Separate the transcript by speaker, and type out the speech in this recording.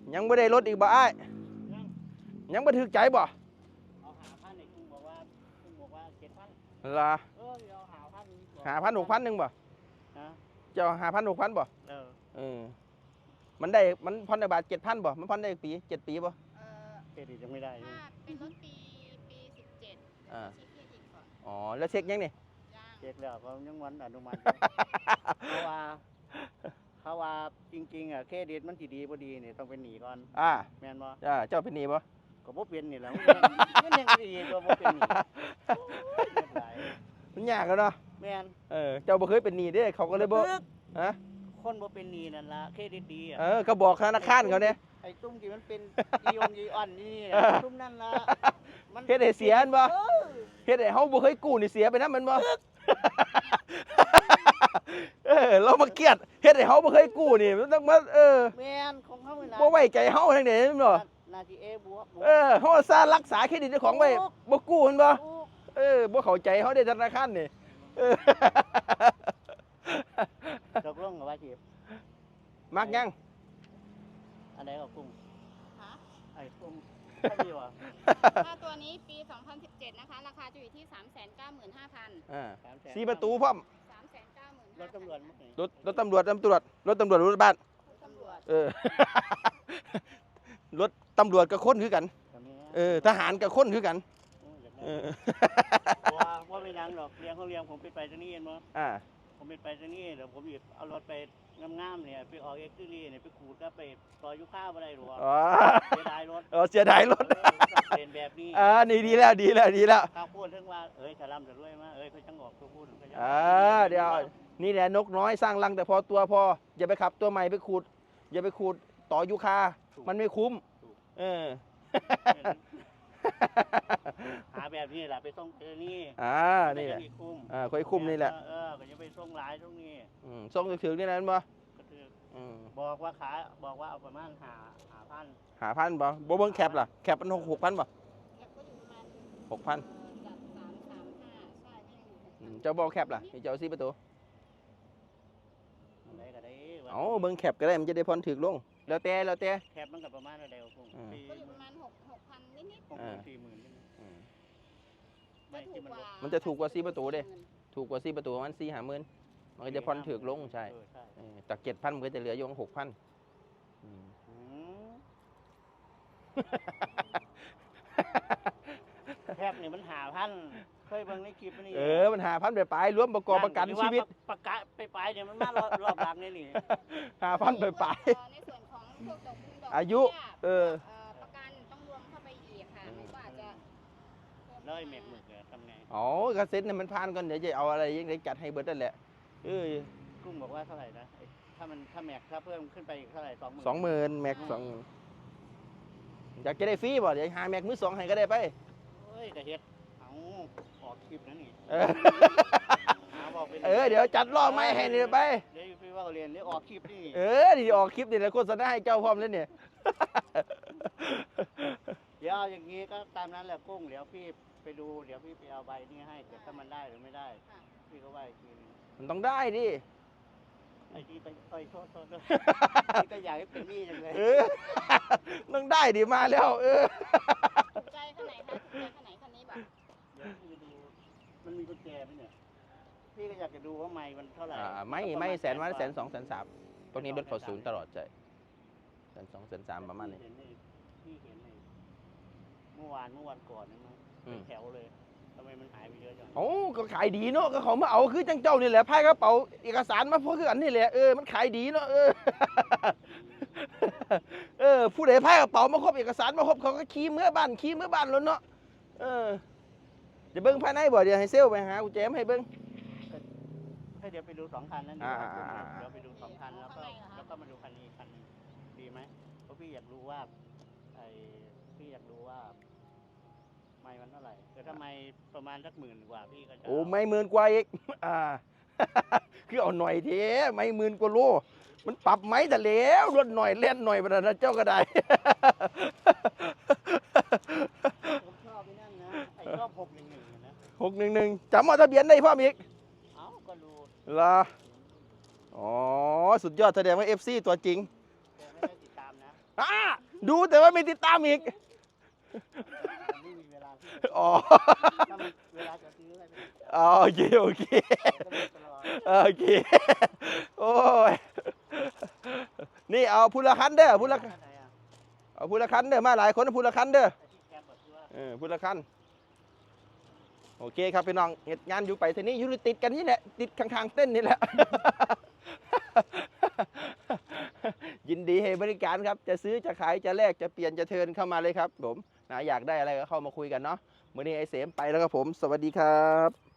Speaker 1: ยังไม่ได้ลดอีกบ่อ้ายยังไม่ถึกใจบ่
Speaker 2: เอา5,000นี่คุณบอกว่า7,000
Speaker 1: ล่ะ
Speaker 2: เดี๋ยว5,000
Speaker 1: 6,000นึงบ่เจ้า5,000 6,000บ่มันได้มันผ่อนได้บาท 7,000บ่มันผ่อนได้ปี7 ปีบ่
Speaker 2: เครดิตยังไม่ได้
Speaker 3: ถ้าเป็นรถปี17เช็คเครดิตก่อน
Speaker 1: อ๋อแล้วเช็คยังนี่
Speaker 2: เช็คแล้วเขายังวันอนุมัติเขาว่าจริงๆเครดิตมันสิดีบ่ดีนี่ต้องเป็นหนี้ก่อนแม่นบ่
Speaker 1: เจ้าเป็นหนี้บ่
Speaker 2: ก็บ่เป็นนี่แหละมันยังดีกว่าบ่เป็นหนี้
Speaker 1: มันยากแล้วเนาะ
Speaker 2: แม่น
Speaker 1: เจ้าบ่เคยเป็นหนี้เด้เขาก็เลยบ่ฮะ
Speaker 2: คนบ่เป็นหนี้นั่นล่ะเครดิตดี
Speaker 1: ก็บอกธนาคารเขาเนี่ย
Speaker 2: ไอ้ตุ้มที่มันเป็นอีออนอีอ่อนนี่ตุ้มนั่นล่ะ
Speaker 1: มันเฮ็ดให้เสียบ่เฮ็ดให้เฮาบ่เคยกู้นี่เสียไปนำมันบ่เรามาเกลียดเฮ็ดให้เฮาบ่เคยกู้นี่มันต้องมา
Speaker 2: แม่นของเฮา
Speaker 1: บ่ไว้ใจเฮาทางใดแม่นบ่
Speaker 2: นาทีบวก
Speaker 1: เฮาซารักษาเครดิตเจ้าของไว้บ่กู้แม่นบ่บ่เข้าใจเฮาได้ธนาคารนี่
Speaker 2: ตกลงกับว่าจีบ
Speaker 1: มักยัง
Speaker 2: อันไหนกับกุ้งไอ้กุ้งดีวะ
Speaker 3: ถ้าตัวนี้ปี2017นะคะราคาจะอยู่ที่395,500
Speaker 1: 4 ประตูพร้อม
Speaker 3: 395,000
Speaker 2: รถตำรวจ
Speaker 1: รถตำรวจรถบ้านรถตำรวจกับคนคือกันทหารกับคนคือกัน
Speaker 2: ว่าไม่ดังหรอกเลี้ยงเขาเลี้ยงผมไปตรงนี้เองมั้งผมไปตรงนี้เดี๋ยวผมหยิบเอารถไปงามๆเนี่ยไปออกเอ็กซ์ตรีเนี่ยไปขูดก็ไปต่อยุค่าอะไรหรอเสียดายรถ
Speaker 1: เสียดายรถ
Speaker 2: เป็นแบบนี้
Speaker 1: นี่ดีแล้ว
Speaker 2: ข้าวพูดถึงว่าจะร่ำจะรวยมาเขาจังออกตัวพูด
Speaker 1: เดี๋ยวนี่แหละนกน้อยสร้างรังแต่พอตัวพออย่าไปขับตัวใหม่ไปขูดอย่าไปขูดต่อยุค่ามันไม่คุ้ม
Speaker 2: หาแบบนี้แหละไปส่งนี่
Speaker 1: นี่แหละ
Speaker 2: คุ้ม
Speaker 1: ค่อยคุ้มนี่แหละ
Speaker 2: ก็จะไปส่งหลายตรงนี้
Speaker 1: ส่งถึงนี่นั้นบ่
Speaker 2: บอกว่าบอกว่าเอาประมาณ
Speaker 1: 5,000บ่เบิ่งแคปล่ะแคปมัน6,000บ่
Speaker 3: แคปก็อยู่ประมาณ
Speaker 1: 6,000
Speaker 3: 335ใช่
Speaker 1: เจ้าบ่แคปล่ะเจ้า4 ประตู
Speaker 2: อะไรก็ได้
Speaker 1: เบิ่งแคปก็ได้มันจะได้ผ่อนถึกลงแล้วแต่
Speaker 2: แคปมันก็ประมาณอะไรก็อยู่
Speaker 3: ประมาณ6,000นิด
Speaker 2: ๆ40,000
Speaker 1: มันจะถูกกว่า4 ประตูเด้ถูกกว่า4 ประตูมัน4-5 หมื่นมันก็จะผ่อนถึกลงใช่จาก 7,000 มันก็จะเหลืออยู่ 6,000
Speaker 2: แคปนี่มัน5,000เคยเบิ่งในคลิปนี่
Speaker 1: มัน5,000ไปรวมประกอบประกันชีวิต
Speaker 2: ประกาศไปเนี่ยมันมารอบหลังนี่
Speaker 1: 5,000ไป
Speaker 3: ในส่วนของพวกดอก
Speaker 1: อายุ
Speaker 3: ประกันต้องรวมเข้าไปอีกค่ะไม่ว่าจะ
Speaker 2: เลยเมกหมึกทำไง
Speaker 1: กระเซ็ตเนี่ยมันผ่านก่อนเดี๋ยวจะเอาอะไรยังไงจัดให้เบิร์ดนั่นแหละ
Speaker 2: กุ้งบอกว่าเท่าไหร่นะถ้าแม็กถ้าเพิ่มขึ้นไปเท่าไหร่
Speaker 1: 20,000แม็ก20,000อยากจะได้ฟรีบ่เดี๋ยวหาแม็กมือ 2ให้ก็ได้ไป
Speaker 2: กระเฮ็ดออกคลิปนั่นนี่
Speaker 1: เดี๋ยวจัดรอบไม่ให้นี่ไป
Speaker 2: เดี๋ยวพี่ว่าเรียนเดี๋ยวออกคลิปนี่
Speaker 1: ดีออกคลิปนี่แล้วโฆษณาให้เจ้าพร้อมแล้วเนี่ย
Speaker 2: เดี๋ยวอย่างนี้ก็ตามนั้นแหละกุ้งเดี๋ยวพี่ไปดูเดี๋ยวพี่ไปเอาใบนี้ให้เดี๋ยวถ้ามันได้หรือไม่ได้พี่ก็ว่าอีกที
Speaker 1: มันต้องได้ดิ
Speaker 2: ไอ้ที่ไปโทษด้วยพี่ก็อยากให้เป็นนี่จังเลย
Speaker 1: ต้องได้ดิมาแล้ว
Speaker 3: ใจข้างไหนคะใจข้างไหนคันนี้แบบ
Speaker 2: เดี๋ยวพี่ดูมันมีกุญแจไหมเนี่ยพี่ก็อยากจะดูว่าไม้มันเท่าไหร่
Speaker 1: ไม่100,000 120,000 130,000พวกนี้รถเขา0ตลอดใจ120,000 130,000ประมาณนี้
Speaker 2: พี่เห็นเลยเมื่อวานก่อนนี่มั้งเป็นแถวเลยทำไมมันหายไปเยอะจัง
Speaker 1: ก็ขายดีเนาะก็เขามาเอาคือจังเจ้านี่แหละพายกระเป๋าเอกสารมาพวกคืออันนี่แหละมันขายดีเนาะผู้ใดพายกระเป๋ามาครบเอกสารมาครบเขาก็ขี่เมื่อบ้านแล้วเนาะจะเบิ้งภายในบ่เดี๋ยวให้เซลไปหากูแจมให้เบิ้ง
Speaker 2: ให้เดี๋ยวไปดู2 คันนั้นเดี๋ยวไปดู2 คันแล้วก็มาดูคันนี้คันนึงดีไหมเพราะพี่อยากรู้ว่าไม่มันเท่าไหร่แต่ถ้าไม่ประมาณสัก10,000 กว่าพี่ก็จะ
Speaker 1: ไม่10,000 กว่าอีกคือเอาหน่อยเถอะไม่10,000 กว่าโลมันปรับไหมแต่แล้วรถหน่อยเล่นหน่อยประนะเจ้าก็ได้
Speaker 2: ผมชอบนั่นนะชอบ611นะ
Speaker 1: 611จำเอาทะเบียนได้พ่ออีก
Speaker 2: ก็รู้
Speaker 1: ล่ะสุดยอดแสดงว่า FC ตัวจริง
Speaker 2: ไม่ได้ติดตามนะ
Speaker 1: ดูแต่ว่าไม่ติดตามอีก
Speaker 2: ไม่มีเวลาที่
Speaker 1: อ๋อ
Speaker 2: ถ้ามันเวลาจะซื้ออะไรไม่ได้
Speaker 1: อ๋อโอเคโอเค
Speaker 2: ก็เลยตลอด
Speaker 1: โอเคโอ้ยนี่เอาพูละคันเด้อพูละ
Speaker 2: ไหนอ่ะ
Speaker 1: เอาพูละคันเด้อมาหลายคนพูละคันเด้อ
Speaker 2: แต่ที่แคมป์แบบที่ว่า
Speaker 1: พูละคันโอเคครับพี่น้องเหตุงานอยู่ไปทีนี้อยู่ติดกันนี่แหละติดข้างๆเต้นนี่แหละ ยินดีให้บริการครับจะซื้อจะขายจะแลกจะเปลี่ยนจะเทิร์นเข้ามาเลยครับผมนะอยากได้อะไรก็เข้ามาคุยกันเนาะมื้อนี้ไอเสมไปแล้วครับผมสวัสดีครับ